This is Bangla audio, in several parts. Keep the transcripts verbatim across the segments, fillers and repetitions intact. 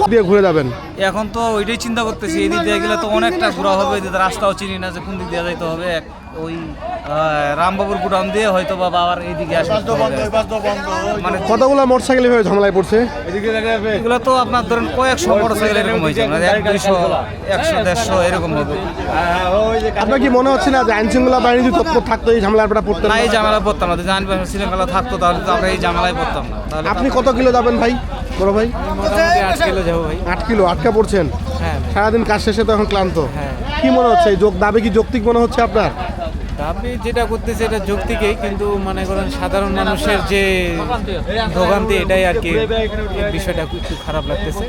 দিয়ে ঘুরে যাবেন? এখন তো ওইটাই চিন্তা করতেছি, এই দিক দিয়ে গেলে তো অনেকটা ঘোরা হবে, যে রাস্তাও চিনি না যে কোন দিক দিয়ে যাইতে হবে। ওই রামবাবুর গুডাউন দিয়ে হয়তো বা বাবার এইদিকে আসতে হবে। মানে কতগুলো মোটরসাইকেল এভাবে ঝামেলায় পড়ছে? এগুলো তো আপনার ধরেন কয়েকশো মোটরসাইকেল এরকম হয়েছে, মানে এক দুইশো একশো দেড়শো এরকম হবে। আপনার কি মনে হচ্ছে না যে আইন শৃঙ্খলা বাহিনী যদি তৎপর থাকতো এই ঝামেলাটা পড়তেন না? এই ঝামেলা পড়তাম না, যদি আইন শৃঙ্খলা থাকতো তাহলে তো আমরা এই ঝামেলায় পড়তাম না। তাহলে আপনি কত কিলো যাবেন ভাই, বড় ভাই? মোটামুটি আট কিলো যাবো ভাই। আট কিলো আটকা পড়ছেন? হ্যাঁ। সারাদিন কাজ শেষে তো এখন ক্লান্ত। হ্যাঁ। কি মনে হচ্ছে এই যোগ দাবি কি যৌক্তিক মনে হচ্ছে আপনার? দাবি যেটা করতেছে এটা যৌক্তিকই, কিন্তু মনে করেন সাধারণ মানুষের যে ভোগান্তি এটাই আর কি, এই বিষয়টা একটু খারাপ লাগতেছে।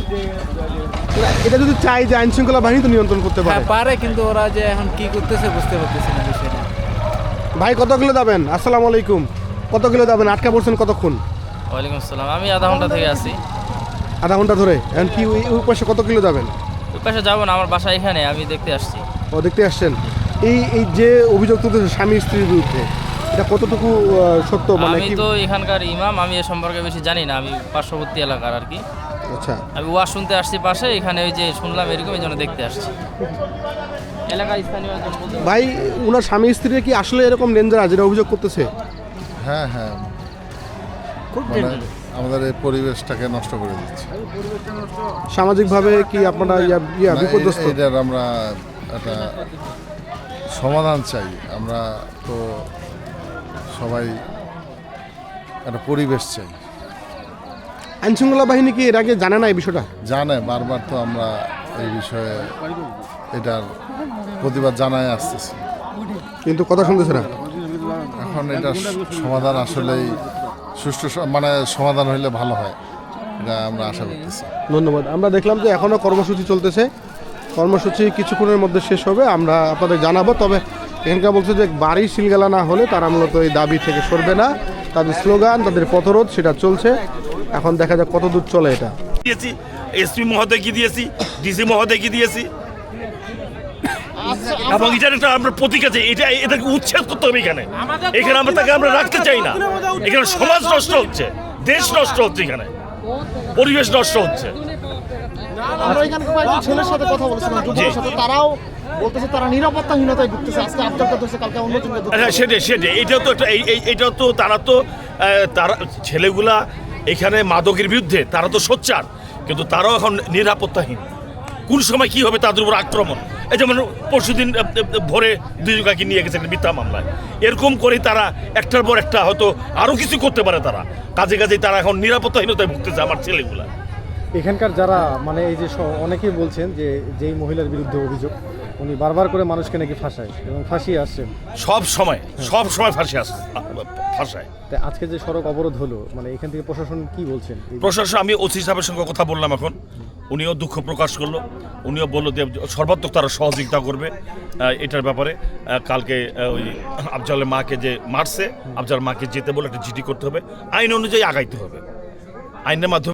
এটা যদি চাই যে আইন শৃঙ্খলা বাহিনী তো নিয়ন্ত্রণ করতে হ্যাঁ পারে। পারে, কিন্তু ওরা যে এখন কি করতেছে বুঝতে পারতেছে না বিষয়টা। ভাই কত কিলো যাবেন? আসসালামু আলাইকুম। কত কিলো যাবেন? আটকা পড়ছেন কতক্ষণ? ওয়ালাইকুম আসসালাম। আমি আধা ঘন্টা থেকে আছি। আধা ঘন্টা ধরে? এখন কি ওই ওই পাশে কত কিলো যাবেন? ওই পাশে যাবো না, আমার বাসা এখানে, আমি দেখতে আসছি। ও দেখতে আসছেন। এই এই যে অভিযোগ তুলতেছে স্বামী স্ত্রীর বিরুদ্ধে, এটা কতটুকু আহ, সত্য? মানে আমি কি? তো এখানকার ইমাম, আমি এ সম্পর্কে বেশি জানি না, আমি পার্শ্ববর্তী এলাকার আর কি। আচ্ছা, আমি ওয়াজ শুনতে আসছি পাশে, এখানে ওই যে শুনলাম এরকম, এই জন্য দেখতে আসছি। এলাকায় স্থানীয় একজন বলতে পারে। ভাই ওনার স্বামী স্ত্রীরা কি আসলে এরকম ডেঞ্জারাস যেটা অভিযোগ করতেছে? হ্যাঁ হ্যাঁ, মানে আমাদের এই পরিবেশটাকে নষ্ট করে দিচ্ছে। সামাজিকভাবে কি আপনারা ইয়া ইয়া না, বিপর্যস্ত? এ- এটার আমরা একটা সমাধান চাই। আমরা তো সবাই একটা পরিবেশ চাই। আইন শৃঙ্খলা বাহিনী কি এর আগে জানে না এই বিষয়টা? জানে, বারবার তো আমরা এই বিষয়ে এটার প্রতিবাদ জানাই আসতেছি, কিন্তু কথা শুনতেছে না। এখন এটা সমাধান আসলেই সুষ্ঠু স- মানে সমাধান হইলে ভালো হয়, এটা আমরা আশা করতেছি। ধন্যবাদ। আমরা দেখলাম যে এখনও কর্মসূচি চলতেছে। কর্মসূচি কিছুক্ষণের মধ্যে শেষ হবে, আমরা আপনাদের জানাবো। তবে এখানকার বলছে যে বাড়ি সিলগালা না হলে তারা মূলত এই দাবি থেকে সরবে না। তাদের স্লোগান, তাদের পথরোধ সেটা চলছে। এখন দেখা যাক কত দূর চলে এটা। দিয়েছি, এসপি মহোদয়কে দিয়েছি, ডিসি মহোদয়কে দিয়েছি, এবং এটার একটা আমরা প্রতীক আছে, এটা এটাকে উচ্ছেদ করতে হবে। এখানে এখানে আমরা তাকে আমরা রাখতে চাই না। এখানে সমাজ নষ্ট হচ্ছে, দেশ নষ্ট হচ্ছে, এখানে পরিবেশ নষ্ট হচ্ছে। আমরা এখানে কয়েকজন ছেলের সাথে কথা বলছিলাম, যুবকের সাথে, তারাও বলতেছে তারা নিরাপত্তাহীনতায় ভুগতেছে। আজকে আফতারটা ধরছে, কালকে অন্য জনকে ধরছে। হ্যাঁ, সেটাই সেটাই এটাও তো একটা- এই এই- এটাও তো তারা তো আহ, তারা ছেলেগুলা এখানে মাদকের বিরুদ্ধে তারা তো সোচ্চার, কিন্তু তারাও এখন নিরাপত্তাহীন। কোন সময় কি হবে তাদের উপর আক্রমণ। এই যেমন পরশুদিন আহ, আহ, ভোরে দুজনকে নিয়ে গেছে একটা মিথ্যা মামলায়। এরকম করে তারা একটার পর একটা হয়তো আরও কিছু করতে পারে। তারা কাজে কাজে তারা এখন নিরাপত্তাহীনতায় ভুগতেছে আমার ছেলেগুলা। এখানকার যারা মানে এই যে স- অনেকেই বলছেন যে যেই মহিলার বিরুদ্ধে অভিযোগ, উনি বারবার করে মানুষকে নাকি ফাঁসায় এবং ফাঁসিয়ে আসছেন। সব সময় সব সময় ফাঁসি আসে ফাঁসায়। তাই আজকে যে সড়ক অবরোধ হলো, মানে এখান থেকে প্রশাসন কি বলছেন? এই- প্রশাসন, আমি ওসি সাহেবের সঙ্গে কথা বললাম এখন, উনিও দুঃখ প্রকাশ করলো। উনিও বললো যে সর্বাত্মক তারা সহযোগিতা করবে আহ, এটার ব্যাপারে। আহ, কালকে আহ, ওই আফজালের মাকে যে মারছে, আফজালের মাকে যেতে বলে একটা জিডি করতে হবে, আইন অনুযায়ী আগাইতে হবে, আইনের মাধ্যমে।